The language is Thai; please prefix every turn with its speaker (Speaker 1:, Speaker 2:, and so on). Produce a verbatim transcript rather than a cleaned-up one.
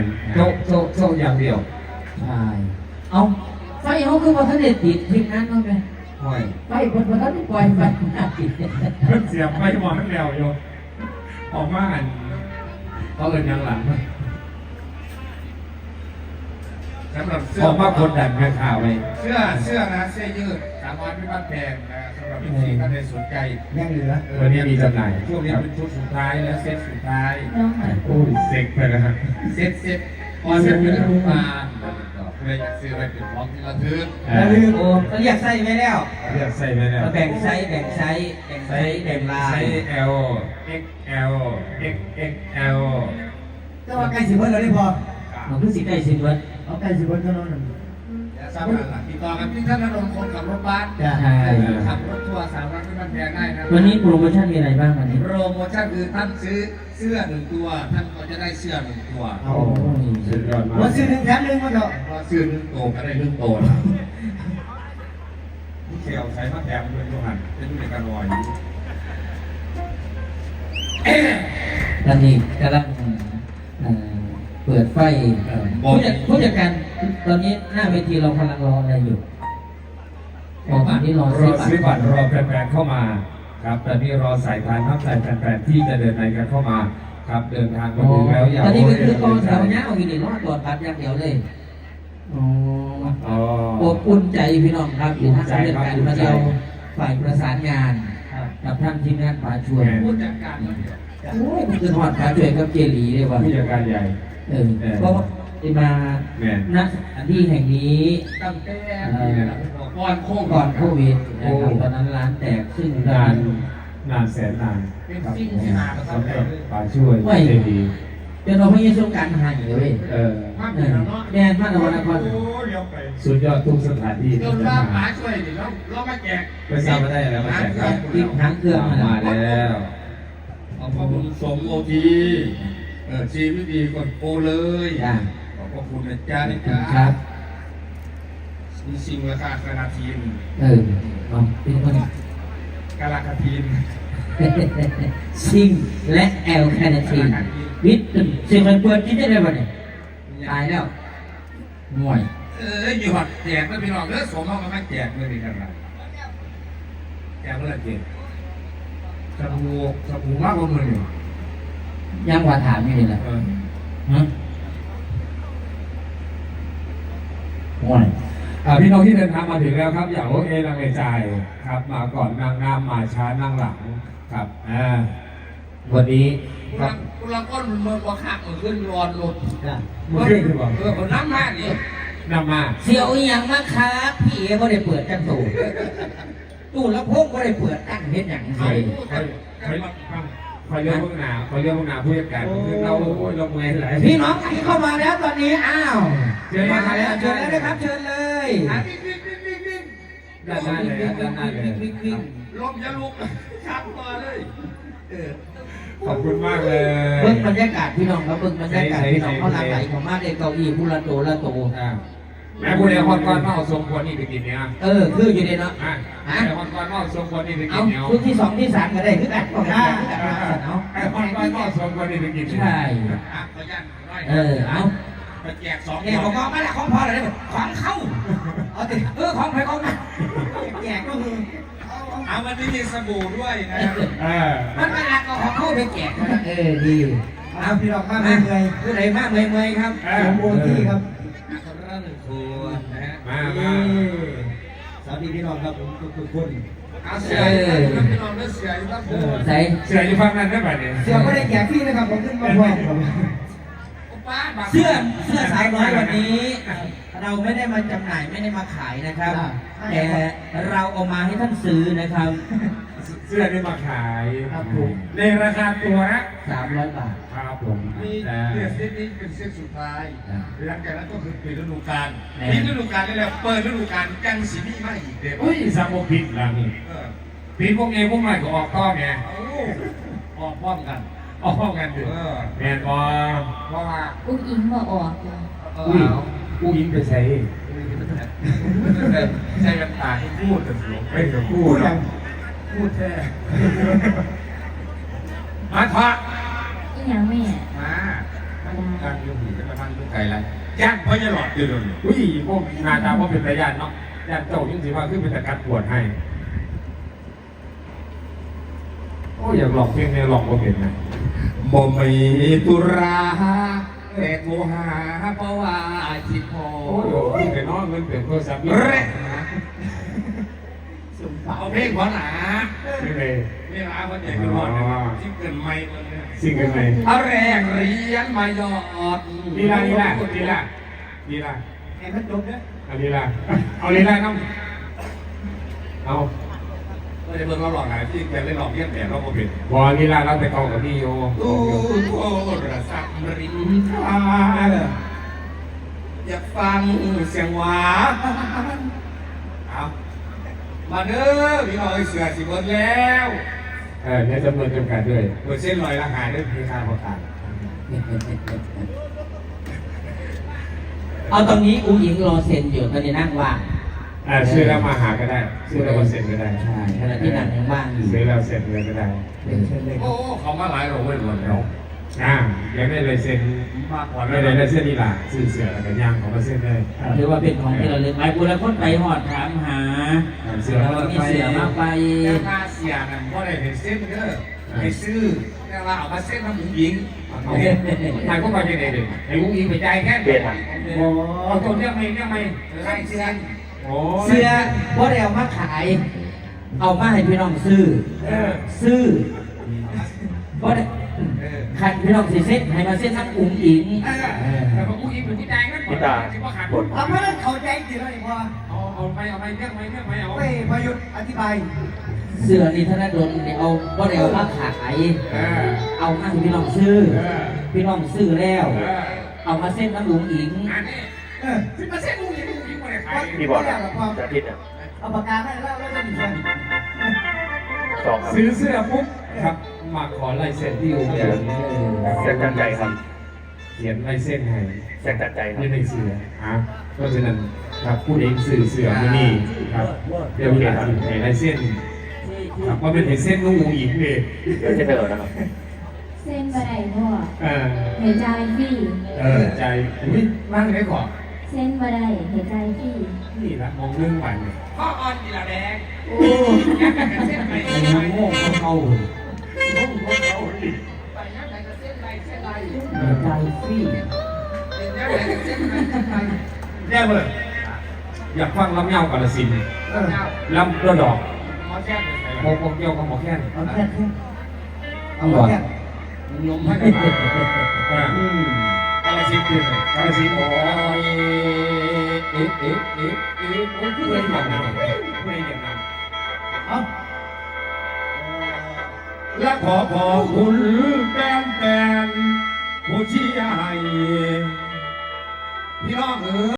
Speaker 1: โซโซโซอย่างเดียว
Speaker 2: ใช่เอาไฟเขาคือว่าท่านเด็ดติดทีมงานเขาไง
Speaker 1: ห้อย
Speaker 2: ไฟคนคนนั้นปล่อยไฟน่าติด
Speaker 3: เพิ่งเสียบไปหมอนแล้วโยออกมาอัน
Speaker 1: เขาเอินยังหลัง
Speaker 3: สำหรับเสื้
Speaker 1: ออกมาคนดันแค่ข่าวไป
Speaker 3: เสื้อเสื้อนะเสื้อยืดสามวันไม่บ้านแพงนะสำหรับพี่ท่านใดสนใจ
Speaker 2: ยังเหลือ
Speaker 1: วันนี้มีจำหน่าย
Speaker 3: ช่วงนี้เป็นชุดสุดท้ายและเซตสุดท้าย
Speaker 2: น้องหาย
Speaker 3: โอ้ยเซ็กไปนะฮะเซตเซตออนเซตเป็นรูปมาเพื่ออยากซื้อไปเป็นของที่ระลึก
Speaker 2: อย่าลืมโอ้เรียกไส้ไว้แล้ว
Speaker 1: เรียกใส่ไหมเนี่ย
Speaker 2: แบ่งไซส์แบ่งไซส์แบ่งไซส์แบ่งลาย
Speaker 1: ไซส์ L เอ็กซ์ แอล เอ็กซ์ เอ็กซ์ แอล
Speaker 2: ก็ว่าใกล้สิบวันแล้วได้พอมันเพิ่งสิใกล้สิบวันเอาใกล้สิบวันเท่านั้น
Speaker 3: ทราบกันหลักติดต่อกันที่ท่านนรงค์คนขับรถบัส
Speaker 2: ใช่
Speaker 3: ขับรถทัวร์สามวันไม่บ้านแพงได้นะ
Speaker 2: วันนี้โปรโมชั่นมีอะไรบ้างวันนี้
Speaker 3: โปรโมชั่นคือท่านซื้อเสื้อหนึ่งตัวท่านก็จะได้เสื้อหนึ่งตัว
Speaker 2: โอ้ย
Speaker 1: สุดยอดมาก
Speaker 2: วันซื้อหนึ่งแถมหนึ่งมาเถอะ
Speaker 3: พอซื้อหนึ่งตัวก็ได้หนึ่งตัวนะ
Speaker 1: เขียวใช้มะแขมด้วยทุกหันเป็นผู้จัดการวอย
Speaker 2: ตอนนี้กำลังเอ่อเปิดไฟผู้จัดผู้จัดการตอนนี้หน้าเวทีเรากำลังรออะไรอยู่รอบัตรนี่รอ
Speaker 1: ร
Speaker 2: ซื้
Speaker 1: อ
Speaker 2: อบัต
Speaker 1: ซื้อ
Speaker 2: ร
Speaker 1: บัตรรอแฟนๆเข้ามาครับตอนนี้รอสายทานทับสายแฟนๆที่จะเดินในกันเข้ามาครับเดินทางมาถึงแล้วอย่า
Speaker 2: ตอนนี้ก็คือ
Speaker 1: โ
Speaker 2: กองแถวเนี้ยเอาอีกหนึ่งรอดตรวจบัตรอย่างเดียวเลยอ๋อ
Speaker 1: อ๋อ
Speaker 2: อบอุ่นใจพี่น้องครับอยู่ทางเรื่องการมาเดียวฝ่ายประสานงานกับท่านทีมงานป่าช่วย
Speaker 3: ผู้จัดการคนเดียว
Speaker 2: โอ้ยมันคือทอดป่าช่วยกับเจลีเลยว่ะ
Speaker 1: ผู้จัดการใหญ่
Speaker 2: เออเพราะว่าได้มา
Speaker 1: แม่
Speaker 2: ณสถานที่แห่งนี้
Speaker 3: ตั้งแต่ก่อนโควิด
Speaker 2: ก่อนโควิดนะครับตอนนั้นร้านแตกซึ่ง
Speaker 1: นานนานแสนนาน
Speaker 3: เป็น
Speaker 1: ครับ
Speaker 3: สิ่งที่หาประสบ
Speaker 1: สำห
Speaker 3: การ
Speaker 1: รับ
Speaker 3: ณ์
Speaker 1: ป่าช่วยเจดี
Speaker 2: จนเราไม่ยังช่วงการหายเลย
Speaker 1: เออ
Speaker 3: ภาพ
Speaker 2: เอ
Speaker 3: เดีย
Speaker 2: อ
Speaker 3: วเนาะ
Speaker 2: แน่นมากนะวันนคร
Speaker 3: โอ้เดี๋ยวไป
Speaker 1: สุดยอดทุกสถานที่
Speaker 3: จ
Speaker 1: ที่
Speaker 3: น
Speaker 1: จะ
Speaker 3: ว่า
Speaker 1: มา
Speaker 3: ป๋าช่วยดิเราเรามาแจก
Speaker 1: ไม่ทราบว่าได้อะไรมาแจกครับ
Speaker 2: ติดหางเครื่อง
Speaker 1: มาแล้ว
Speaker 3: ขอบพระคุณสมโอทีเออชีวิตดีกดโปเลย
Speaker 2: จ้า
Speaker 3: ขอบพระคุณนะจ๊ะนะ
Speaker 2: ค
Speaker 3: จ๊ะ
Speaker 2: รับ
Speaker 3: มีสิ่งราคาคณาทีม
Speaker 2: เออเอาเป็นคน
Speaker 3: กาลาคาทีม
Speaker 2: ซิงและแอลแคนาทีนวิทย์เสียงมันเปิดที่ได้เลยวันนี้ตายแล้วห่วย
Speaker 3: เอออยู่หัดแจกแล้วพี่น้องเออสมเอามาแจกเลยดีกันละแจกเมื่อไหร่เจ็บสบู่สบู่มากกว่ามือหนึ่ง
Speaker 2: ยังว่าถามอยู่นี่แหละ
Speaker 3: เออ
Speaker 2: ฮะห่วย
Speaker 1: อ่าพี่น้องที่เดินทางมาถึงแล้วครับ อย่าโอเอลังเลใจครับ มาก่อนนางงามมาช้านั่งหลังครับอ่าวันนี้ค
Speaker 3: เรา
Speaker 1: รับ
Speaker 3: เราก็เมื่อว่าข้างมันขึ้นรอนรถ
Speaker 2: จ้ะ
Speaker 1: เมื่อคืนคือบอก
Speaker 3: เออคนน้ำมากนี่
Speaker 1: นำมา
Speaker 2: เสียวอีหยังมาครับพี่เอ๋ก็ได้เปิดจังตู่ตู้แล้วพงก็ได้เปิดตั้งเฮ็ดหยัง
Speaker 3: เขา
Speaker 2: ไง
Speaker 1: คอยคอยคอยเรื่องพวกหนาคอยเรื่องพวกหนาผู้จัดการคือเราโอ้ยเราเมื่อยหลาย
Speaker 2: พี่น้องที่เข้ามาแล้วตอนนี้อ้าว
Speaker 1: เชิญมา
Speaker 2: มา
Speaker 1: แล้
Speaker 2: แล้ว วเชิญเลยนะครับเชิญเลย
Speaker 3: อ่ะวิ่งวิ่งวิ่งวิ่งวิ่ง
Speaker 1: ด้านหน้าเลยครับด้านหน้าเลย
Speaker 2: วิ่งวิ่ง
Speaker 3: ลมจะลุกชักมาเลยเออ
Speaker 1: ขอบคุณมากเลย
Speaker 2: เบิ่งบรรยากาศพี่น้องครับเบิ่งบรรยากาศพี่น้องเขาหลั่งไหลเข้ามาในเก้าอี้ผู้ละโตละโต
Speaker 1: อ่าแม่ผู้ใดคนก่อนมาเอาทรงควรนี่ไปกินเนี่ย
Speaker 2: เออคืออยู่ในเนาะ
Speaker 1: อ่ะแม่คนก่อนมาเอาทรงควรนี่ไปกิ
Speaker 2: เอา
Speaker 1: นเนี่ย
Speaker 2: ชุดที่สองที่สามก็ได้คือกันก็ได้เอา
Speaker 1: ไอ้คนก่อนมาเอาทรงควรนี่ไปกิน
Speaker 2: ใช่
Speaker 3: อ่ะขอยันร้อย
Speaker 2: เออเอา
Speaker 3: ไปแจกสอง
Speaker 2: เนี่ยของมาแล้วของพอเลยของเข้าเอาติเออของใครของมันแจกก็คือ
Speaker 3: เอาวันนี้มีสบู่ด้วยนะครับ
Speaker 1: เออ
Speaker 2: มันไม่รักก็ของเข้าไปแจกเออดีเอาพี่น้องมากเลยเลยคือไหนมากเลยเลยครับสมบูรณ์ที่ครับ
Speaker 3: คนละหนึ่งคนนะฮะ
Speaker 1: มามา
Speaker 2: สวัสดีพี่น้องครับผมทุกคน
Speaker 3: เอาเสืออยู่แล้วพี่น้องเลือเสืออยู่แล้วผม
Speaker 2: ใส่
Speaker 1: เสืออยู่ฝั่งนั้นได้ป่ะเนี่ย
Speaker 2: เสื้อไม่ได้แจกพี่นะครับผมขึ้นมาพร้อมครับเสื้อเสื้อสายน้อยวันนี้ เราไม่ได้มาจำหน่ายไม่ได้มาขายนะครับแต่เราเอามาให้ท่านซื้อนะครับ
Speaker 1: เสื้อได้มาขาย
Speaker 2: ครับผม
Speaker 1: ในราคาตัวละ
Speaker 2: สามร้อยบาท
Speaker 1: ครับผม
Speaker 3: นี่
Speaker 1: อ่า
Speaker 3: เสื้อเส้นนี้เป็นเส้นสุดท้าย
Speaker 2: อ่า
Speaker 3: หลังจากนั้นก็คือปิดฤดูกาล
Speaker 2: แน่
Speaker 3: ปิดฤดูกาลนี่แหละเปิดฤดูกาลจังสีนี่มาอีกเด็ก
Speaker 1: อุ้ยสามโมผิดหลัง
Speaker 3: เออ
Speaker 1: ผิดพวกเองพวกใหม่ก็ออกต้อไง
Speaker 3: เอาออกพร้อมกัน
Speaker 1: ออกพร้อมกันดิ
Speaker 3: เออ
Speaker 1: แมนบอ
Speaker 3: เพราะว่า
Speaker 4: อุ้งอิงมาออกเลย
Speaker 3: เออ
Speaker 1: อุ้ย
Speaker 3: เอา
Speaker 1: กูยิงไปใช้
Speaker 3: ใช้กันตาที่พูดกันหลง
Speaker 1: ไปกับกูเนาะ
Speaker 3: พูดแท้
Speaker 1: มาทะ
Speaker 4: อีหยังแม่
Speaker 3: มามาย่างยุ่งอยู่ก็ทำยุ่งไก่ไรย่างเพราะจะหลอดอยู่เลย
Speaker 1: อุ้ยพวกนาจาว่าเป็นตาญาติเนาะญาติเจ้ายิ่งสิว่าขึ้นเป็นตะกัดปวดให้โอ้อยากหลอกเพียงเนี่ยหลอกว่าเป็นนะ
Speaker 3: บ่มีตุราแต่โทรหาเพราะว่าจิตพอ
Speaker 1: โอ้ยขึ้นไปนอนเงินเปลี่ยนโทรศัพท์
Speaker 3: เร่เอาเพลงขอหนา
Speaker 1: ไม่เลย
Speaker 3: เวลาคนใหญ่ก็รอดที่เกินไม่คนเนี่ย
Speaker 1: สิ่งกันไหน
Speaker 3: เอาแรกเรียนมายอด
Speaker 1: ดีละดีละดีละดีละ
Speaker 2: แข่งขันจบเนี่ย
Speaker 1: เอาดีละเอาดีละน้ำเอา
Speaker 3: เราจะเบิ่งเราหลอกหาที่แกเล่นหลอกเยี่ยมแบบเราก็เป็น
Speaker 1: บอดีละเราไปกองกับพี่โย
Speaker 3: ตู้โทรศัพท์ริมทางอยากฟังเสียงหวานเอามาเด้อพี่น้อยเสือสิเบิดแล้ว
Speaker 1: เออเนี่ยจำนวนจำกัดด้วย
Speaker 3: เปิดเส้นลอยละหายด้วยพี่ข้าประกาศ
Speaker 2: เอาตรงนี้อุ้งอิงรอเซ็นอยู่ตอนนี้นั่งว่าง
Speaker 1: อ่าซื้อแล้วมาหาก็ได้ซื้อแล้วมาเซ็นก็ได้
Speaker 2: ใช่ขณะที่นั่งยังว่างอยู่
Speaker 1: ซื้อแล้วเซ็นเลยก็ได้
Speaker 2: เชิญเลยค
Speaker 3: โอ้
Speaker 2: รับ
Speaker 3: เขามาหลายเราเว้ยหมดแล้ว
Speaker 1: อ่ายังไม่เลยเซ็น
Speaker 3: มากกว่า
Speaker 1: ไม่เลยได้เส้นนี่ล่ะซื้อเสือแล้วก็ย่างของมาเส้นเลย
Speaker 2: ถือว่าเป็นของที่ระลึกหลายคนแล้วคนไปหอดถามหา
Speaker 1: เสื
Speaker 2: เสื
Speaker 1: อ
Speaker 2: อ
Speaker 1: แล้ว
Speaker 2: เรา
Speaker 1: ก็
Speaker 2: มี
Speaker 1: ไป
Speaker 2: เสือมาไป
Speaker 3: แต่มาเสียนั่นเพราะอะไรเห็นเส้นเด้อให้ซื้อแต่ว่าเอามาเส้นทำหมูหญิง
Speaker 1: เอาเห็นนายก็ไปยังไงดิไอ้วุ้งอิงไปใจแค่เปลี่ยนอ่ะโอ้เอาตัวเรียกไม่เรียกไม่
Speaker 3: ไล่เสียน
Speaker 1: โอ้
Speaker 2: เสื้อว่าได้เอามาขาย เอามาให้พี่น้องซื้อ
Speaker 1: เออ
Speaker 2: ซื้อว่าได้
Speaker 3: เออ
Speaker 2: ขันพี่น้องสิเซ็ตให้มาเซ็ตทั้งอุ้งอิง
Speaker 3: แต่ว่าหมูหญิงเป็นที่ใจงั้นก่อนที่ว่าขาดผล
Speaker 4: เอาเพราะนั้นเขาใจจริงเลยพอ
Speaker 3: เอาเอาไปเอาไปเรียกไม่เรียกไม่เอา
Speaker 4: ไปพยุทธ์อธิบาย
Speaker 2: เสื้อนี่ธนดลเนี่ยเอาว่าได้เอามาขาย
Speaker 3: เออ
Speaker 2: เอามาให้พี่น้องซื้อ
Speaker 3: เออ
Speaker 2: พี่น้องซื้อแล้ว
Speaker 3: เออ
Speaker 2: เอามาเส้นน้ำอุ้งอิง
Speaker 3: อันนี้
Speaker 4: เออ
Speaker 3: สิบเปอร์เซ็นต์หมูหญิงหมูหญิงไม่ได้ขาย
Speaker 4: พี่บอกนะจะผิด
Speaker 5: อ่ะ
Speaker 4: เอาปากกาให้แล้วแล้วจะมีคน
Speaker 5: สองครับ
Speaker 1: ซื้อเสื้อปุ๊บครับมาขอลายเซ็นที่อู่เขียน
Speaker 5: แจ็คจันใจครับ
Speaker 1: เขียนลายเส้นให้
Speaker 5: แจ็คจันใจครับ
Speaker 1: นี่ในเสืออ่ะเพราะฉะนั้นครับผู้เองสื่อเสือที่นี่ครับเดี๋ยวเห็นเห็นลายเส้นครับว่าเป็นเห็นเส้นนุ่งอูหญิงเลย
Speaker 5: เดี๋ยวจะเดินนะครับ
Speaker 6: เส้นบะไดพ่อ
Speaker 1: เออ
Speaker 6: หายใจพี่
Speaker 1: เออใจอุ้ยนั่งได้ก่อน
Speaker 6: เส้นบะไดหายใจพี่
Speaker 1: นี่ละมองเรื่องใหม่เลย
Speaker 3: ข้ออ่อนกีฬาแดง
Speaker 1: โอ้
Speaker 3: ยักษ์กันเส้นไป
Speaker 2: ไอ้
Speaker 3: เส้น
Speaker 2: น้
Speaker 3: ไป
Speaker 2: โง่เขา
Speaker 1: โหเขาดิ
Speaker 3: ไปยักษ์ไหนก็เส้นไปเส้นไป
Speaker 2: หายใจพี่
Speaker 3: ยักษ์ไหนก็เส้นไปเส้นไป
Speaker 1: แย่เลยอยากฟังลำเงากาลสินธุ์
Speaker 3: เออ
Speaker 1: ลำระดอก
Speaker 3: หมอแจ้งเลย
Speaker 1: โมโมเกี่ยวกับหมอแค้น
Speaker 4: เอาแค่แค่
Speaker 2: เอาหรอ
Speaker 3: ลมให้กัน
Speaker 1: อ่า
Speaker 2: อืม
Speaker 1: กาลสินธุ์คือกาลสินธุ์โอ้ยเอ๊ะเอ๊ะเอ๊ะเอ๊ะโอ้ยเพื่อนอย่างนั้นเพื่อนอย่างนั้น
Speaker 4: เอา
Speaker 3: และขอขอบคุณแฟนแฟนผู้เชียร์ให้พี่น้องเอ๋ย